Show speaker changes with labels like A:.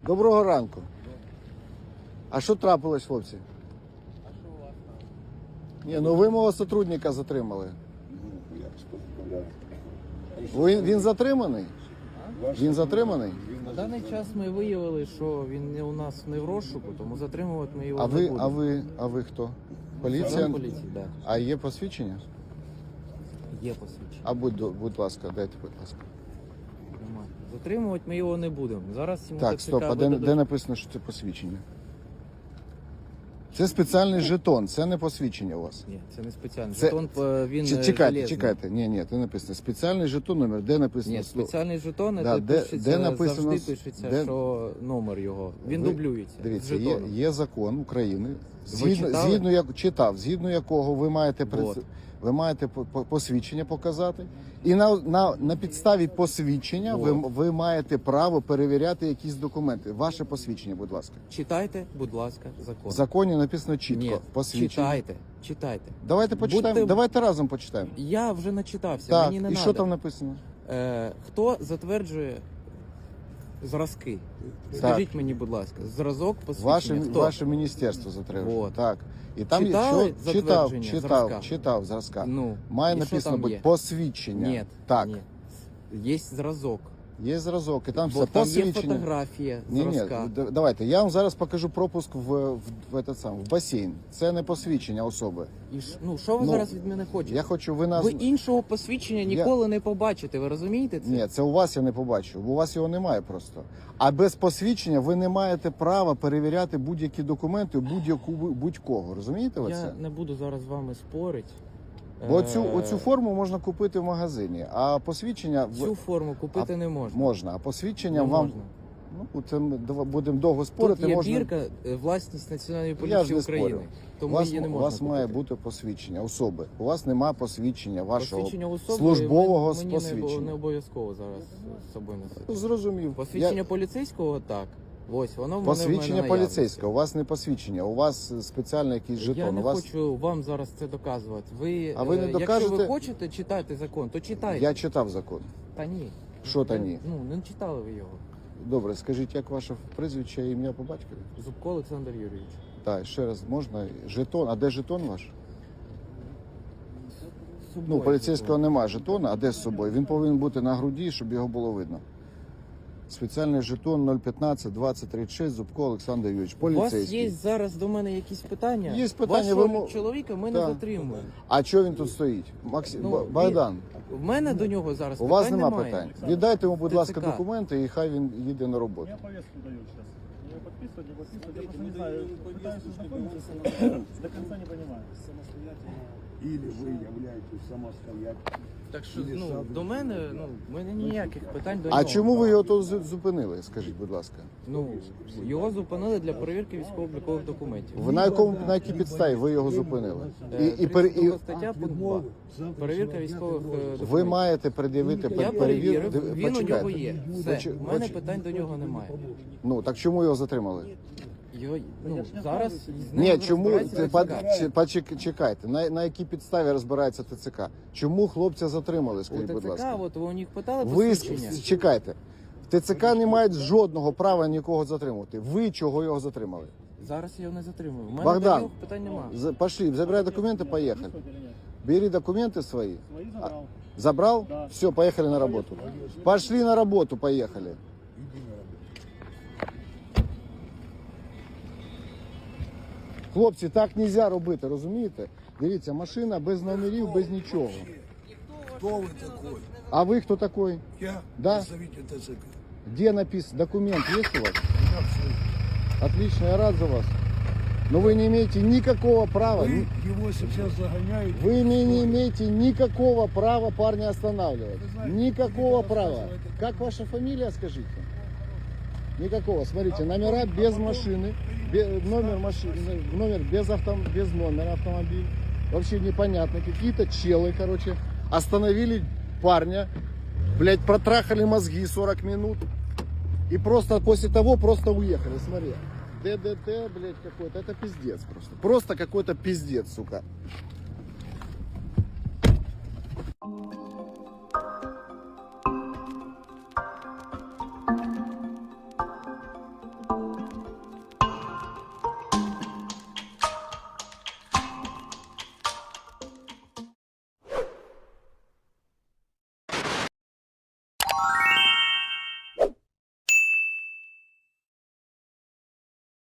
A: Доброго ранку. А що трапилось, хлопці?
B: А що у вас там?
A: Ні, ну ви мого сотрудника затримали. Він затриманий? Він затриманий?
B: На даний час ми виявили, що він не у нас не в розшуку, тому затримувати ми його
A: А
B: не
A: ви,
B: будемо.
A: а ви хто? Поліція?
B: Поліції, так.
A: А є посвідчення?
B: Є посвідчення.
A: А будь ласка, дайте, будь ласка.
B: Нема. Затримувати ми його не будемо. Зараз йому
A: Так, стоп, а де написано, що це посвідчення? Це спеціальний жетон, це не посвідчення у вас.
B: Ні, це не спеціальний
A: Це-
B: жетон, він
A: Чекайте,
B: железний.
A: Ні, це написано. Спеціальний жетон номер, де написано?
B: Ні, спеціальний жетон,
A: Да, де
B: пишеться,
A: написано,
B: завжди пишеться,
A: де-
B: що номер його. Він
A: Ви-
B: дублюється. з
A: Дивіться,
B: жетоном.
A: є закон України,
B: читали?
A: згідно якого ви маєте
B: Вот.
A: ви маєте посвідчення показати, і на підставі посвідчення ви маєте право перевіряти якісь документи. Ваше посвідчення, будь ласка.
B: Читайте, будь ласка, закон.
A: В законі написано чітко.
B: Ні,
A: Посвідчення.
B: читайте.
A: Давайте почитаємо.
B: Будьте-
A: Давайте разом почитаємо.
B: Я вже начитався,
A: Так,
B: мені не
A: і
B: надо.
A: що там написано?
B: Хто затверджує зразки?
A: Так.
B: Скажіть мені, будь ласка, зразок посвідчення. Хто?
A: Ваше міністерство затримує.
B: Вот.
A: Так. І там
B: Читали
A: є що
B: затвердження зразка?
A: читав зразка.
B: Ну,
A: Має
B: і що
A: написано
B: там
A: бути
B: є?
A: посвідчення.
B: Ні,
A: Так.
B: ні. Є зразок.
A: Є зразок, і там
B: Бо
A: все
B: там є
A: посвідчення.
B: фотографія
A: Ні,
B: зразка.
A: давайте, я вам зараз покажу пропуск в басейн. Це не посвідчення особи.
B: І що ви
A: Ну,
B: зараз від мене хочете?
A: Я хочу, ви нас...
B: Ви іншого посвідчення ніколи не побачите, ви розумієте це?
A: Ні, це у вас я не побачу, бо у вас його немає просто. А без посвідчення ви не маєте права перевіряти будь-які документи будь-кого. Розумієте ви
B: Я
A: це?
B: не буду зараз з вами спорити.
A: Бо оцю форму можна купити в магазині, а посвідчення...
B: Цю форму купити не можна.
A: Можна, а посвідчення
B: Не
A: вам...
B: можна.
A: Ну, це ми будемо довго спорити.
B: Тут є
A: можна...
B: бірка, власність Національної
A: Я ж
B: поліції
A: не
B: України.
A: спорю.
B: Тому її не
A: у
B: можна
A: вас має
B: купити.
A: бути посвідчення особи. У вас немає посвідчення вашого
B: Посвідчення особи
A: службового
B: мені
A: посвідчення.
B: не обов'язково зараз з собою носити.
A: Зрозумів.
B: Посвідчення поліцейського так. Ось воно в мене
A: Посвідчення
B: в мене
A: поліцейського. У вас не посвідчення, у вас спеціальний якийсь жетон.
B: Я не
A: у вас...
B: хочу вам зараз це доказувати.
A: А ви не
B: Якщо
A: докажете?
B: ви хочете читати закон, то читайте.
A: Я читав закон.
B: Та ні.
A: Що та ні?
B: Ну, не читали ви його.
A: Добре, скажіть, як ваше прізвище, ім'я по батькові?
B: Зубко Олександр Юрійович.
A: Так, ще раз можна. Жетон. А де жетон ваш?
B: З собою,
A: Поліцейського немає жетона, а де з собою? Він повинен бути на груді, щоб його було видно. Спеціальний жетон 015 2036 Зубко Олександр Юрійович.
B: У вас
A: Поліцейський.
B: є зараз до мене якісь питання?
A: Є питання,
B: Вашого
A: ви
B: чоловіка ми не
A: Так.
B: затримуємо.
A: А чого він тут стоїть?
B: Ну,
A: Богдан,
B: В мене до нього зараз
A: у вас
B: питань
A: нема
B: немає.
A: питань. Віддайте йому, будь ласка,
B: ТЦК.
A: документи і хай він їде на роботу.
C: Я повестку даю сейчас. Ее подписывать, не подписывать, я просто не знаю. Пытаюсь ознакомиться, до конца не понимаю.
D: Или вы являетесь самостоятельным.
B: Так що до мене, в мене ніяких питань до
A: А
B: нього.
A: чому ви його тут зупинили, скажіть, будь ласка?
B: Його зупинили для перевірки військово-облікових документів.
A: Ви на якій підставі ви його зупинили? І
B: 32 стаття, пункт 2. Перевірка військових документів.
A: ви маєте пред'явити
B: Я перевірив, він у нього
A: Почекайте.
B: є. Все, у мене питань до нього немає.
A: Ну, так чому його затримали?
B: Його, зараз з ним
A: Ні, чому
B: розбирається ТЦК.
A: чекайте, на якій підставі розбирається ТЦК? Чому хлопця затримали,
B: У
A: скажіть, будь
B: ТЦК,
A: ласка?
B: от ви у них питали
A: Ви
B: посвідчення.
A: чекайте. В ТЦК не мають жодного права нікого затримувати. Ви чого його затримали?
B: Зараз я його не затримую. У мене
A: Богдан,
B: до нього питань немає.
A: Пошли, забирай документы, поехали.
C: Подписывать или нет?
A: Бери документы свои.
C: Свои забрал.
A: Забрал?
C: Да.
A: Все, поехали на работу. Пошли на работу, поехали. Хлопці, так нельзя робити, розумієте? Дивіться, машина без номерів, без нічого.
D: Кто вы такой?
A: А ви хто такой?
D: Я
A: Да.
D: представитель ТЦК.
A: Где написан? Документ есть у вас?
D: Я все.
A: Отлично, я рад за вас. Но вы не имеете никакого права.
D: Вы его сейчас загоняете.
A: Вы не имеете никакого права парня останавливать.
D: Вы знаете,
A: Никакого
D: вы
A: права.
D: рассказываете.
A: Как ваша фамилия, скажите? Никакого. Смотрите, номера без машины, номер без номера автомобиля. Вообще непонятно. Какие-то челы, короче, остановили парня, блядь, протрахали мозги 40 минут. И просто после того просто уехали. Смотри. ДДТ, блядь, какой-то. Это пиздец просто. Просто какой-то пиздец, сука.